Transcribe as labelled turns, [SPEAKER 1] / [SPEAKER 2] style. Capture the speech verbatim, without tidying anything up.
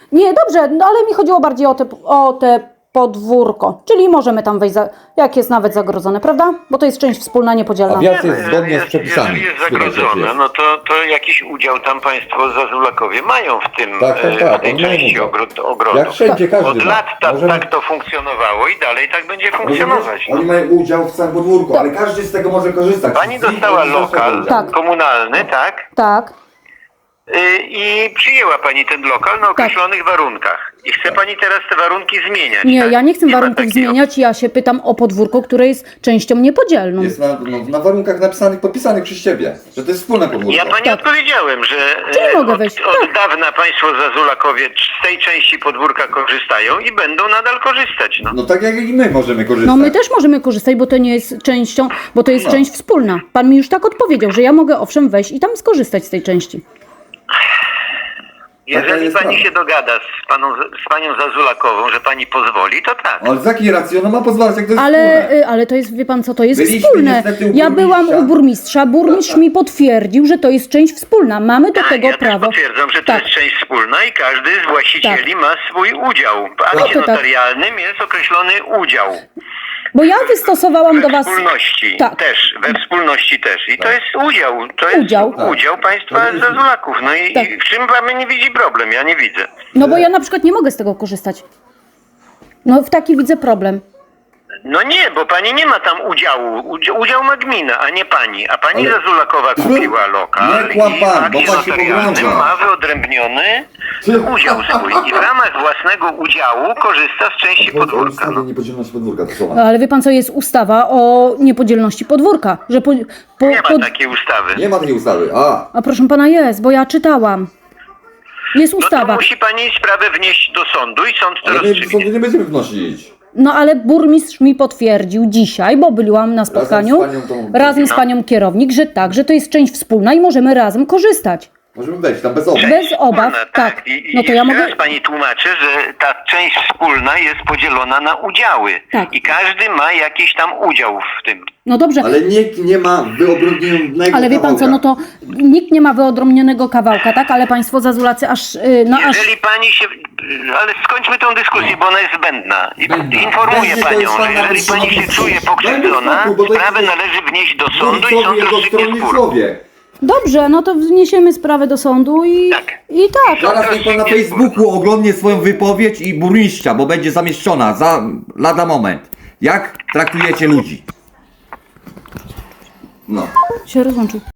[SPEAKER 1] Nie, dobrze, no ale mi chodziło bardziej o te, o te podwórko, czyli możemy tam wejść, za, jak jest nawet zagrodzone, prawda? Bo to jest część wspólna, niepodzielna.
[SPEAKER 2] A wjazd jest
[SPEAKER 3] Nie,
[SPEAKER 2] zgodnie
[SPEAKER 3] jest-
[SPEAKER 2] z przepisami.
[SPEAKER 3] Jeżeli jest
[SPEAKER 2] Słychać, że
[SPEAKER 3] zagrodzone,
[SPEAKER 2] jest.
[SPEAKER 3] no to, to jakiś udział tam państwo zazulakowie mają w tym,
[SPEAKER 2] Tak, tak,
[SPEAKER 3] e,
[SPEAKER 2] tak,
[SPEAKER 3] w tej
[SPEAKER 2] oni mają
[SPEAKER 3] części
[SPEAKER 2] udział.
[SPEAKER 3] ogród, ogrodu.
[SPEAKER 2] Jak wszędzie każdy
[SPEAKER 3] Od
[SPEAKER 2] ma.
[SPEAKER 3] lat ta,
[SPEAKER 2] Możemy-
[SPEAKER 3] tak to funkcjonowało i dalej tak będzie funkcjonować.
[SPEAKER 2] Oni
[SPEAKER 3] No.
[SPEAKER 2] mają udział w całym podwórku, ale każdy z tego może korzystać.
[SPEAKER 3] Pani
[SPEAKER 2] Z-
[SPEAKER 3] dostała
[SPEAKER 2] z- z-
[SPEAKER 3] lokal
[SPEAKER 1] Tak.
[SPEAKER 3] komunalny, tak?
[SPEAKER 1] Tak,
[SPEAKER 3] Y, I przyjęła pani ten lokal na określonych warunkach. I chce pani teraz te warunki zmieniać.
[SPEAKER 1] nie,
[SPEAKER 3] tak?
[SPEAKER 1] ja nie chcę
[SPEAKER 3] ma
[SPEAKER 1] warunków
[SPEAKER 3] takiej
[SPEAKER 1] zmieniać, ja się pytam o podwórko, które jest częścią niepodzielną.
[SPEAKER 2] Jest na, no, na warunkach napisanych, podpisanych przez ciebie, że to jest wspólne podwórko.
[SPEAKER 3] Ja pani
[SPEAKER 1] Tak.
[SPEAKER 3] odpowiedziałem, że
[SPEAKER 1] Czyli
[SPEAKER 3] e,
[SPEAKER 1] mogę
[SPEAKER 3] od,
[SPEAKER 1] wejść,
[SPEAKER 3] od
[SPEAKER 1] tak.
[SPEAKER 3] dawna państwo zazulakowie z tej części podwórka korzystają i będą nadal korzystać. No.
[SPEAKER 2] No tak jak i my możemy korzystać.
[SPEAKER 1] No my też możemy korzystać, bo to nie jest częścią, bo to jest
[SPEAKER 2] No.
[SPEAKER 1] część wspólna. Pan mi już tak odpowiedział, że ja mogę owszem wejść i tam skorzystać z tej części.
[SPEAKER 3] Jeżeli
[SPEAKER 2] jest
[SPEAKER 3] pani
[SPEAKER 2] prawda.
[SPEAKER 3] się dogada z, paną, z panią Zazulakową, że pani pozwoli, to tak.
[SPEAKER 2] Ale z jakiej racji ona ma pozwalać, jak to jest
[SPEAKER 1] Ale,
[SPEAKER 2] wspólne?
[SPEAKER 1] y, ale to jest, wie pan co, to jest
[SPEAKER 2] Byliśmy
[SPEAKER 1] wspólne.
[SPEAKER 2] niestety u
[SPEAKER 1] Ja byłam
[SPEAKER 2] burmistrza.
[SPEAKER 1] u burmistrza, burmistrz mi potwierdził, że to jest część wspólna. Mamy do
[SPEAKER 3] Tak,
[SPEAKER 1] tego
[SPEAKER 3] ja
[SPEAKER 1] prawo.
[SPEAKER 3] też potwierdzam, że to
[SPEAKER 1] Tak.
[SPEAKER 3] jest część wspólna i każdy z właścicieli ma swój udział. W akcie
[SPEAKER 1] to tak.
[SPEAKER 3] notarialnym jest określony udział.
[SPEAKER 1] Bo ja wystosowałam
[SPEAKER 3] We
[SPEAKER 1] do was...
[SPEAKER 3] wspólności
[SPEAKER 1] Tak.
[SPEAKER 3] też, we wspólności też. I to jest udział, to jest
[SPEAKER 1] Udział.
[SPEAKER 3] udział państwa
[SPEAKER 2] Tak.
[SPEAKER 3] Zazulaków. No i,
[SPEAKER 1] Tak.
[SPEAKER 3] i w czym pan nie widzi problem? Ja nie widzę.
[SPEAKER 1] No bo ja na przykład nie mogę z tego korzystać. No w taki widzę problem.
[SPEAKER 3] No nie, bo pani nie ma tam udziału. Udział, udział ma gmina, a nie pani. A pani
[SPEAKER 2] Ale-
[SPEAKER 3] Zazulakowa kupiła lokal
[SPEAKER 2] Nie kłam
[SPEAKER 3] i w
[SPEAKER 2] pan, bo
[SPEAKER 3] akcie
[SPEAKER 2] pan się
[SPEAKER 3] notarialnym
[SPEAKER 2] pogrąża.
[SPEAKER 3] ma wyodrębniony udział swój. I w ramach własnego udziału korzysta z części podwórka.
[SPEAKER 2] Ustawy
[SPEAKER 3] No.
[SPEAKER 2] niepodzielności podwórka to są.
[SPEAKER 1] Ale wie pan co, jest ustawa o niepodzielności podwórka. Że po, po,
[SPEAKER 3] Nie ma
[SPEAKER 1] pod-
[SPEAKER 3] takiej ustawy.
[SPEAKER 2] Nie ma takiej ustawy. A,
[SPEAKER 1] A proszę pana jest, bo ja czytałam. Jest
[SPEAKER 3] No to
[SPEAKER 1] ustawa.
[SPEAKER 3] musi pani sprawę wnieść do sądu i sąd to
[SPEAKER 2] ale my
[SPEAKER 3] rozstrzygnie.
[SPEAKER 2] sądu nie będziemy wnosić.
[SPEAKER 1] No ale burmistrz mi potwierdził dzisiaj, bo byłam na spotkaniu
[SPEAKER 2] Razem z panią tą-
[SPEAKER 1] razem z panią kierownik, że tak, że to jest część wspólna i możemy razem korzystać.
[SPEAKER 2] Możemy wejść tam bez obaw.
[SPEAKER 1] Bez obaw,
[SPEAKER 3] Wspólna,
[SPEAKER 1] tak.
[SPEAKER 3] I, i
[SPEAKER 1] No to ja
[SPEAKER 3] jeszcze
[SPEAKER 1] mogę...
[SPEAKER 3] raz pani tłumaczę, że ta część wspólna jest podzielona na udziały.
[SPEAKER 1] Tak.
[SPEAKER 3] I każdy ma jakiś tam udział w tym.
[SPEAKER 1] No dobrze, ale,
[SPEAKER 2] Ale nikt nie ma wyodrębnionego
[SPEAKER 1] wie pan co, no to nikt nie ma wyodrębnionego kawałka, tak? Ale państwo Zazulacy aż, yy, no aż...
[SPEAKER 3] Jeżeli pani się... Ale skończmy tę dyskusję, bo ona jest zbędna. I
[SPEAKER 2] Zbędna.
[SPEAKER 3] Informuję
[SPEAKER 2] Będzie to
[SPEAKER 3] panią,
[SPEAKER 2] już pan
[SPEAKER 3] że jeżeli
[SPEAKER 2] nawet
[SPEAKER 3] pani się
[SPEAKER 2] sama-
[SPEAKER 3] czuje
[SPEAKER 2] Daj
[SPEAKER 3] pokrzywdzona,
[SPEAKER 2] mi spokój, bo to
[SPEAKER 3] sprawę
[SPEAKER 2] jest-
[SPEAKER 3] należy wnieść do sądu i
[SPEAKER 2] Burmistrzowie,
[SPEAKER 3] sąd
[SPEAKER 2] jego
[SPEAKER 3] rozstrzygnie spór.
[SPEAKER 2] stronnictwowie.
[SPEAKER 1] Dobrze, no to wniesiemy sprawę do sądu i...
[SPEAKER 3] Tak.
[SPEAKER 1] I tak.
[SPEAKER 2] Zaraz niech pan na Facebooku oglądnie swoją wypowiedź i burmistrza, bo będzie zamieszczona za lada moment. Jak traktujecie ludzi? No.
[SPEAKER 1] Się rozłączył.